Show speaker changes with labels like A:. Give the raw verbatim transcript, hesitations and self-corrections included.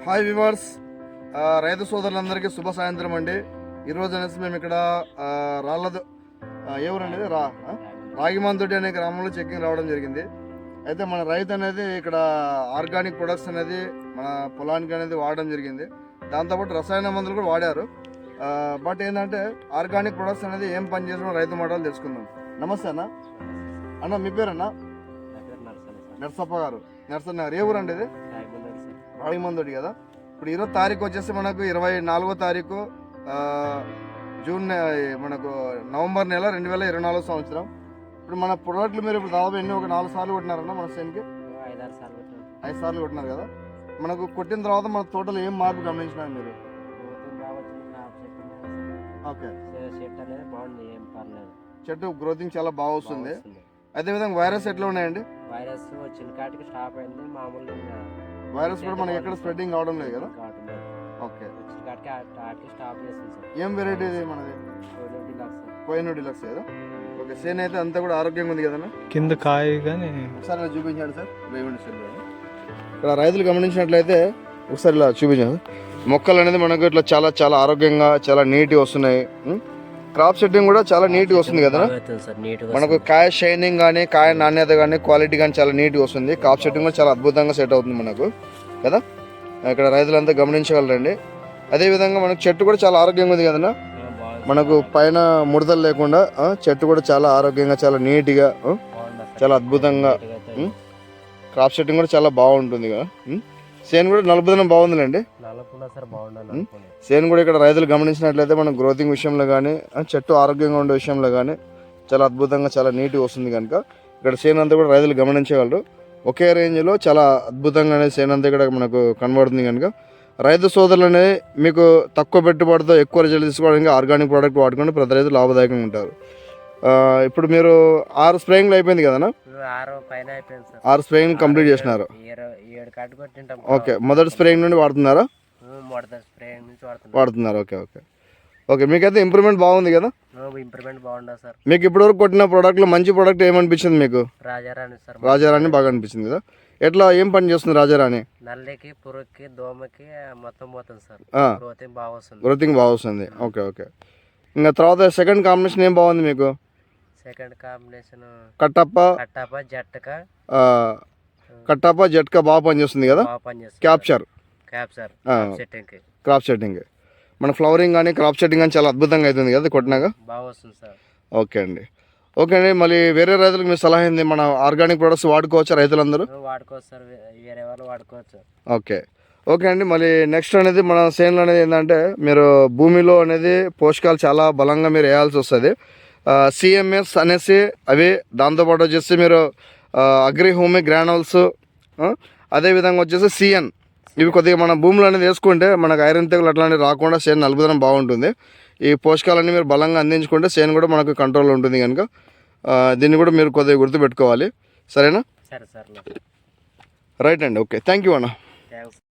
A: Hi viewers, రైతు సోదరులందరికీ శుభ సాయంత్రం అండి. ఈరోజు అనేసి మేము ఇక్కడ రాళ్ళదు ఎవరండి రా రాగిమంతుడి అనే గ్రామంలో చెక్కింగ్ రావడం జరిగింది. అయితే మన రైతు అనేది ఇక్కడ ఆర్గానిక్ ప్రొడక్ట్స్ అనేది మన పొలానికి అనేది వాడడం జరిగింది. దాంతోపాటు రసాయన మందులు కూడా వాడారు. బట్ ఏంటంటే ఆర్గానిక్ ప్రొడక్ట్స్ అనేది ఏం పని చేసిన రైతు మాటలు తెలుసుకుందాం. నమస్తే అన్న. అన్న మీ పేరన్నా? నర్సప్ప గారు. నర్సన్న గారు ఏ ఊరు అండి ఇది? రాగిమందుడి కదా. ఇప్పుడు ఈరోజు తారీఖు వచ్చేసి మనకు ఇరవై నాలుగో తారీఖు జూన్ మనకు నవంబర్ నెల రెండు వేల ఇరవై నాలుగో సంవత్సరం. ఇప్పుడు మన ప్రొడక్ట్లు మీరు ఇప్పుడు దాదాపు ఎన్ని ఒక నాలుగు సార్లు కొట్టినారన్న మన సేన్కి? ఐదు సార్లు కొట్టినారు కదా. మనకు కొట్టిన తర్వాత మన తోటలో ఏం మార్పు గమనించినారు మీరు? ఓకే, చెట్టు గ్రోతింగ్ చాలా బాగా వస్తుంది. అదేవిధంగా వైరస్ ఎట్లా ఉన్నాయండి?
B: వైరస్ వచ్చిన కాటికి స్టాప్ అయింది. మామూలు
A: వైరస్ కూడా మనకి ఎక్కడ స్ప్రెడ్డింగ్ అవడం లేదు కదా. ఓకే, ఏం వెరైటీ ఇది మనది? కోహినూర్ డిలక్స్ కదా. ఓకే, సేన్ అయితే అంతా కూడా ఆరోగ్యంగా ఉంది కదా.
C: కింద కాయ కానీ
A: ఒకసారి చూపించాడు సార్. ఇక్కడ రైతులు గమనించినట్లయితే ఒకసారి ఇలా చూపించాను. మొక్కలు అనేది మనకు ఇట్లా చాలా చాలా ఆరోగ్యంగా చాలా నీట్గా వస్తున్నాయి. క్రాప్ సెట్టింగ్ కూడా చాలా నీట్గా వస్తుంది కదా. మనకు కాయ షైనింగ్ కానీ కాయ నాణ్యత కానీ క్వాలిటీ కానీ చాలా నీట్గా వస్తుంది. క్రాప్ సెట్టింగ్ కూడా చాలా అద్భుతంగా సెట్ అవుతుంది మనకు కదా. ఇక్కడ రైతులంతా గమనించగలరండి. అదేవిధంగా మనకు చెట్టు కూడా చాలా ఆరోగ్యంగా ఉంది కదన్నా. మనకు పైన ముడతలు లేకుండా చెట్టు కూడా చాలా ఆరోగ్యంగా చాలా నీట్గా చాలా అద్భుతంగా క్రాప్ సెట్టింగ్ కూడా చాలా బాగుంటుంది కదా. సేన్ కూడా నలుపుదనం బాగుందిలేండి. సేన్ కూడా ఇక్కడ రైతులు గమనించినట్లయితే మన గ్రోతింగ్ విషయంలో కానీ చెట్టు ఆరోగ్యంగా ఉండే విషయంలో కానీ చాలా అద్భుతంగా చాలా నీట్గా వస్తుంది కనుక ఇక్కడ సేన్ అంతా కూడా రైతులు గమనించగలరు. ఒకే రేంజ్లో చాలా అద్భుతంగా అనేది సేన్ అంతా ఇక్కడ మనకు కనబడుతుంది కనుక రైతు సోదరులు అనేది మీకు తక్కువ పెట్టుబడితో ఎక్కువ రిజల్ట్ తీసుకోవడానికి ఆర్గానిక్ ప్రోడక్ట్ వాడుకుంటే ప్రతి రైతు లాభదాయకంగా ఉంటారు. ఇప్పుడు మీరు ఆరు స్ప్రేయింగ్లు అయిపోయింది కదా. ఆరు స్ప్రేయింగ్ కంప్లీట్ చేసినారు. ఓకే, మొదటి స్ప్రేయింగ్ నుండి వాడుతున్నారా? వాడుతున్నారు. ఓకే ఓకే ఓకే మీకైతే ఇంప్రూవ్మెంట్ బాగుంది కదా.
B: ఇంప్రూవ్మెంట్ బాగుంది సార్.
A: మీకు ఇప్పటివరకు కొట్టిన ప్రోడక్ట్లో మంచి ప్రోడక్ట్ ఏమనిపించింది మీకు?
B: రాజారాణి సార్.
A: రాజారాణి బాగా అనిపించింది కదా. ఎట్లా ఏం పని చేస్తుంది రాజారాణి?
B: నల్లికి పురుగుకి దోమకి మొత్తం పోతుంది సార్. గ్రోతింగ్ బాగా వస్తుంది.
A: గ్రోతింగ్ బాగా వస్తుంది. ఓకే ఓకే ఇంకా తర్వాత సెకండ్ కాంబినేషన్ ఏం బాగుంది మీకు?
B: సెకండ్ కాంబినేషన్
A: కట్టప్ప
B: కట్టప్ప జట్టక
A: కట్టప్ప జట్కా బాగా పనిచేస్తుంది కదా. Capture
B: capture setting
A: crop setting మన ఫ్లవరింగ్ కానీ క్రాప్ సెట్టింగ్ కానీ చాలా అద్భుతంగా అవుతుంది కదా కొట్టినాక.
B: బాగా వస్తుంది సార్.
A: ఓకే అండి. ఓకే అండి, మళ్ళీ వేరే రైతులకు మీ సలహా ఏంది? మన ఆర్గానిక్ ప్రొడక్ట్స్ వాడుకోవచ్చా రైతులందరూ?
B: వాడుకోవచ్చు సార్, వేరే వాళ్ళు వాడుకోవచ్చు.
A: ఓకే ఓకే అండి. మళ్ళీ నెక్స్ట్ అనేది మన సేన్లో అనేది ఏంటంటే మీరు భూమిలో అనేది పోషకాలు చాలా బలంగా మీరు వేయాల్సి వస్తుంది. సిఎంఎస్ అనేసి అవి, దాంతోపాటు వచ్చేసి మీరు అగ్రి హోమి గ్రానల్స్, అదేవిధంగా వచ్చేసి సిఎన్, ఇవి కొద్దిగా మన భూములు అనేది వేసుకుంటే మనకు ఐరన్ తెగులు అట్లాంటివి రాకుండా సేన్ నలుపుదనం బాగుంటుంది. ఈ పోషకాలన్నీ మీరు బలంగా అందించుకుంటే సేన్ కూడా మనకు కంట్రోల్లో ఉంటుంది కనుక దీన్ని కూడా మీరు కొద్దిగా గుర్తుపెట్టుకోవాలి. సరేనా?
B: సరే సార్.
A: రైట్ అండి. ఓకే, థ్యాంక్ యూ అన్న.